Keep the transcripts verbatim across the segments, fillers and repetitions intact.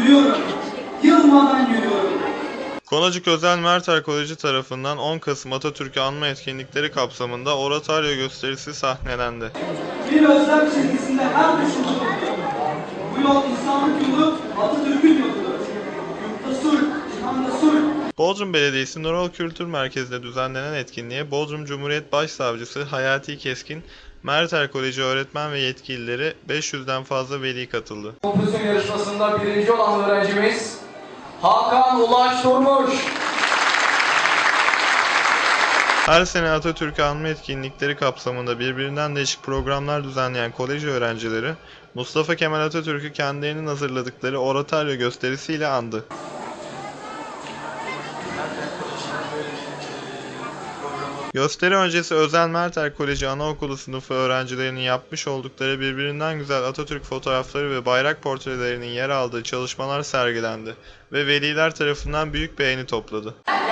yürüyorum, yılmadan yürüyorum. Konacık Özel Merter Koleji tarafından on Kasım Atatürk'ü anma etkinlikleri kapsamında oratoryo gösterisi sahnelendi. Bir özlem çizgisinde her düşündüğüm. Bu yol insanlık yolu, Atatürk'ün yoludur. Yurtta sulh, cihanda sulh. Bodrum Belediyesi Nurol Kültür Merkezi'nde düzenlenen etkinliğe Bodrum Cumhuriyet Başsavcısı Hayati Keskin, Merter Koleji öğretmen ve yetkilileri, beş yüzden fazla veli katıldı. Kompozisyon yarışmasında birinci olan öğrencimiz Hakan Ulaş Durmuş. Her sene Atatürk'ü anma etkinlikleri kapsamında birbirinden değişik programlar düzenleyen kolej öğrencileri, Mustafa Kemal Atatürk'ü kendilerinin hazırladıkları oratoryo gösterisiyle andı. Gösteri öncesi Özel Merter Koleji Anaokulu sınıfı öğrencilerinin yapmış oldukları birbirinden güzel Atatürk fotoğrafları ve bayrak portrelerinin yer aldığı çalışmalar sergilendi ve veliler tarafından büyük beğeni topladı.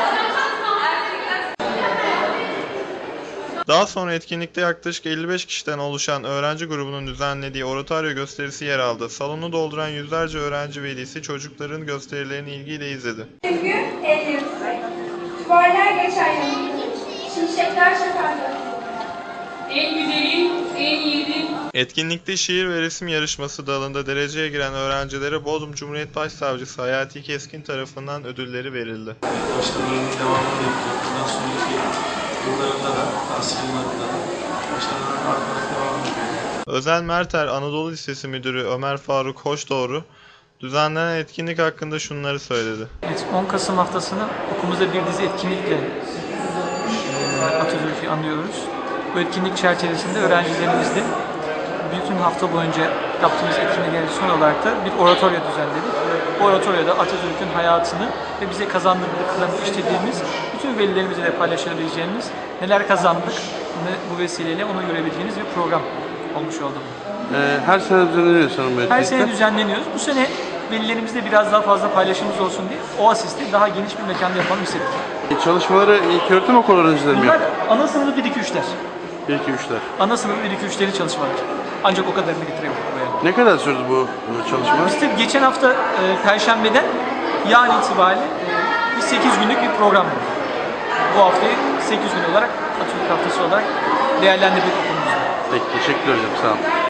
Daha sonra etkinlikte yaklaşık elli beş kişiden oluşan öğrenci grubunun düzenlediği oratoryo gösterisi yer aldı. Salonu dolduran yüzlerce öğrenci velisi çocukların gösterilerini ilgiyle izledi. Çünkü elli duvarlar geçer yanımda, şimşekler çakardı. En güzeli, en yiğidi. Etkinlikte şiir ve resim yarışması dalında dereceye giren öğrencilere Bodrum Cumhuriyet Başsavcısı Hayati Keskin tarafından ödülleri verildi. Başkalarının devamını yapıyor. Bundan sonraki yıllarında da, tahsil yıllarında da başkalarının arkadan devam ediyor. Özel Merter Anadolu Lisesi Müdürü Ömer Faruk Hoşdoğru, düzenlenen etkinlik hakkında şunları söyledi. Evet, on Kasım haftasını okulumuzda bir dizi etkinlikle e, Atatürk'ü anıyoruz. Bu etkinlik çerçevesinde öğrencilerimizle bütün hafta boyunca yaptığımız etkinliklerin son olarak da bir oratoryo düzenledik. Bu oratoryoda Atatürk'ün hayatını ve bize kazandırdıklarını işlediğimiz, bütün velilerimizle de paylaşabileceğimiz, neler kazandık bu vesileyle onu görebildiğiniz bir program olmuş oldu. Ee, her sene düzenleniyor sanırım bu etkinlikler. Her sene düzenleniyoruz. Bu sene velilerimizle biraz daha fazla paylaşımımız olsun diye Oasis'te daha geniş bir mekanda yapalım istedik. Çalışmaları ilköğretim okulu öğrencileri mi Bunlar yapıyor? ana sınıfı bir iki üçler. bir iki üçler. Ana sınıfı bir iki üçleri çalışmalar. Ancak o kadarını getirebildik buraya. Ne kadar sürdü bu bu çalışma? İşte geçen hafta e, Perşembe'den yarın itibariyle e, bir sekiz günlük bir program var. Bu haftayı sekiz gün olarak Atatürk Haftası olarak değerlendirdik okulumuzda. Peki, teşekkür ederim. Sağ olun.